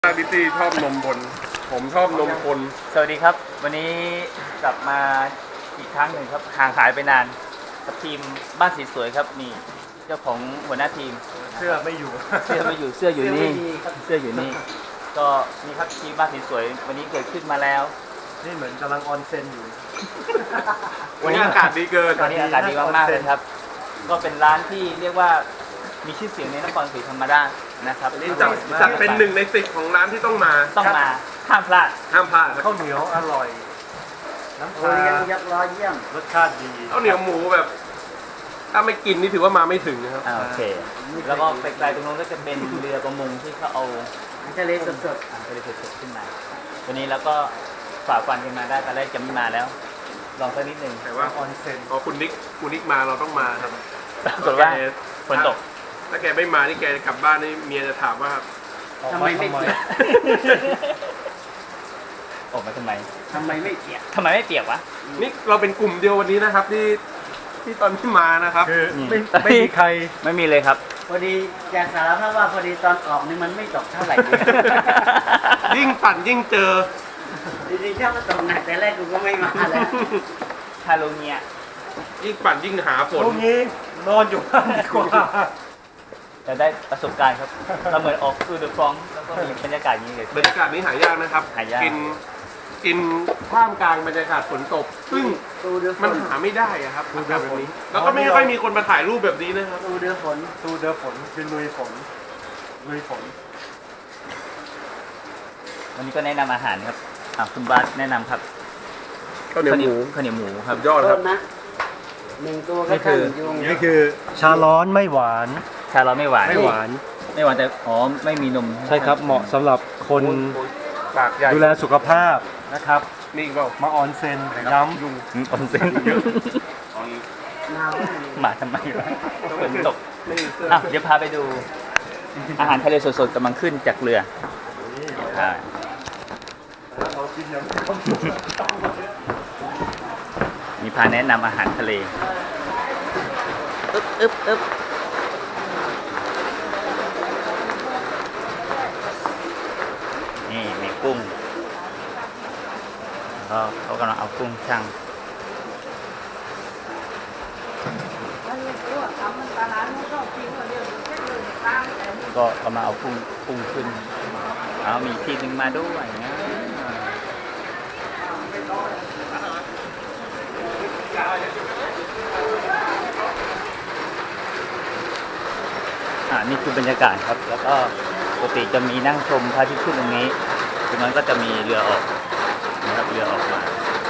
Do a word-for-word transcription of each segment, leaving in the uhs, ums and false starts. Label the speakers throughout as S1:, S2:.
S1: บิตี้ชอบนมบนผมชอบนมคน
S2: สวัสดีครับวันนี้กลับมาอีกครั้งหนึ่งครับห่างหายไปนานกับทีมบ้านสีสวยครับนี่เจ้าของหัวหน้าทีม
S3: เสื้อไม่อยู่
S2: เสื้อไม่อยู่เสื้ออยู่นี่เสื้ออยู่นี่ก็นี่ครับทีมบ้านสีสวยวันนี้เกิดขึ้นมาแล้ว
S3: นี่เหมือนกำลังออนเซ็นอยู่
S1: วันนี้อากาศดีเกิน
S2: ตอนนี้อากาศดีมากๆเลยครับก็เป็นร้านที่เรียกว่ามีชื่อเสียงในนครศรีธรรมราชนะครับ
S1: นี่จัดจัดเป็นหนึ่งในสิบของร้านที่ต้องมา
S2: ต้องมาห้ามพลาด
S1: ห้ามพลาดนะ
S3: ข้าวเหนียวอร่อย น้ำ
S4: โอ
S3: ชา
S4: เลี้ยงยักษ์ร้อยเยี่ยม
S3: รสชาติดี
S1: ข้าวเหนียวหมูแบบ ถ้าไม่กินนี่ถือว่ามาไม่ถึงนะครับ
S2: อ่าโอเคแล้วก็ไกลๆตรงนู้นก็จะเป็นเรือประมงที่เขาเอา
S4: ทะเลสด
S2: อ่างทะเลสดๆขึ้นมาวันนี้เราก็ฝ่าฟันกันมาได้ตอนแรกจะไม่มาแล้ว ลองสักนิดหนึ่ง
S1: แต่ว่า
S3: ออนเซ็น
S1: พอคุณนิกคุณนิกมาเราต้องมาครับ
S2: ปรากฏว่าฝนตก
S1: ถ้าแกไม่มานี่แกจะกลับบ้านนี่เมียจะถามว่า
S4: ๆทำไมไม่เปียก
S2: ออกมาทำไม
S4: ทำไมไม่เปียก
S2: ทำไมไม่เปียกวะ
S1: นี่เราเป็นกลุ่มเดียววันนี้นะครับ ที่ที่ตอนที่มานะครับ
S3: คือ
S2: อืม
S3: ไม่ไม่มีใคร
S2: ไม่มีเลยครับ
S4: พอดีอยากสารภาพว่าพอดีตอนออกนี่มันไม่ตกเท่าไหร่เลย
S1: ยิ่งปั่นยิ่งเจอ
S4: จริงๆถ้ามันตกหนักแต่แรกกูก็ไม่มาแล้ว
S2: คาโลเนีย
S1: ยิ่งปั่นยิ่งหาฝน
S3: พรุ่งนี้นอนอยู่บ้านดีกว่า
S2: จะได้ประสบการณ์ครับ เราเหมือนออกคือเดอะฟรองก์แล้วก็มีบรรยากาศอย่างนี้เลย
S1: บรรยากาศนี้หายากนะครับ
S2: หายาก
S1: กินกินท่ามกลางบรรยากาศฝนตก ซึ่ง
S4: ตูเดือฝ
S1: มัน
S4: น
S1: หาไม่ได้อะครับอากาศแบบนี้ แล้วก็ไม่ค่อยมีคนมาถ่ายรูปแบบนี้นะครับ
S4: ตูเดือฝน
S3: ตูเดอฝนคือลุยฝนลุยฝน
S2: วันนี้ก็แนะนำอาหารครับอ่ะคุณบาสแนะนำครับ
S1: ข้าวเหนียวหมู
S2: ข้าวเหนียวหมูครับ
S1: ยอดค
S4: ต้
S1: รับ
S4: นนะหนึ่งตัว
S2: นี่
S4: ก็
S2: คื
S4: ตั้ง
S2: อ
S4: ยุง
S3: นี่คือชาร้อนไม่หวาน
S2: ชาเราไม่หวาน
S3: ไม่หวาน
S2: ไม่หวานแต่อ๋อไม่มีนม
S3: ใช่ครับเหมาะสำหรับคน
S1: ปากใหญ่
S3: ดูแลสุขภาพนะครับ
S1: นี่อีกเปล่า
S3: มาออนเซ็นย้ำ
S1: ยุง
S2: อืมออนเซ็น
S4: หนาว
S2: หมาทำไมวะฝนตกอ่ะเดี๋ยวพาไปดู อาหารทะเลสดๆกำลังขึ้นจากเรืออ่า
S3: เรากินอย่าง
S2: มีพาแนะนำอาหารทะเลอึ๊บอึ๊บอึ๊บนี่มีกุ้งก็เขากำลังเอากุ้งช่างก็กำลังเอากุ้งกุ้งขึ้นเอามีทีนึงมาด้วยนะอ่านี่คือบรรยากาศครับ แล้วก็ปกติจะมีนั่งชมพระอาทิตย์ขึ้นตรงนี้ตรงนั้นก็จะมีเรือออกนะครับเรือออกมา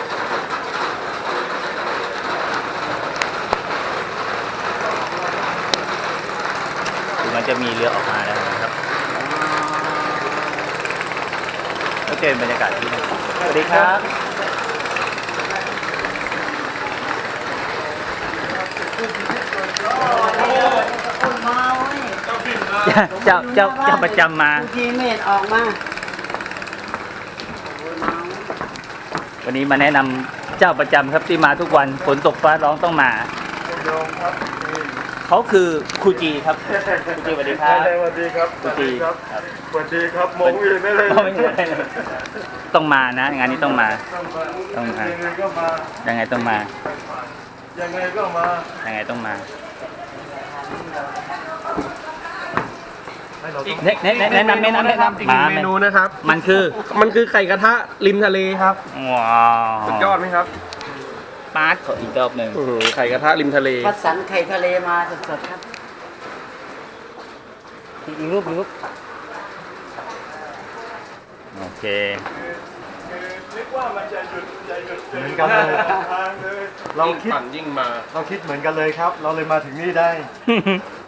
S2: ตรงนั้นจะมีเรือออกมาแล้วนะครับก็เจอบรรยากาศที่นี่สวัสดีครับ
S4: คนเมาเว้ย
S2: เจ้าเจ้าเจ้าประจำมา
S4: บางทีเมดออกมา
S2: วันนี้มาแนะนำเจ้าประจำครับที่มาทุกวันฝนตกฟ้าร้องต้องมา
S3: โยมครับนี่
S2: เขาคือครูจีครับครูจีสวัสดีครับ
S3: สวัสดีครับ
S2: ครูจีครับ
S3: สวัสดีครับมองอื่นได้เลย
S2: ไม่ได้เลยต้องมานะงานนี้ต้องมา ต้องมา
S3: ยังไงก็มา
S2: ยังไงต้องมา
S3: ยังไงก็มา
S2: ยังไงต้องมา
S3: ให้เราต้อง
S2: แนะแนะแนะแนะนำแนะนำแนะนำ
S1: อีกหนึ่งเมนูนะครับ
S2: มันคือ
S1: มันคือไข่กระทะริมทะเลครับ
S2: ว้าว
S1: สุดยอดไหมครับ
S2: ปาร์ตขออีกรอบหนึ่ง
S1: อื้อหือไข่กระทะริมทะเล
S4: คัดสรรไข่ทะเลมาสดๆครับ
S2: อีกรูปอีกรูปโอเค
S3: เหมือนกันเลยเรา
S1: ยิ่ง
S3: คิด
S1: ปั่นยิ่งมา
S3: เราคิดเหมือนกันเลยครับ เราเลยมาถึงนี่ได้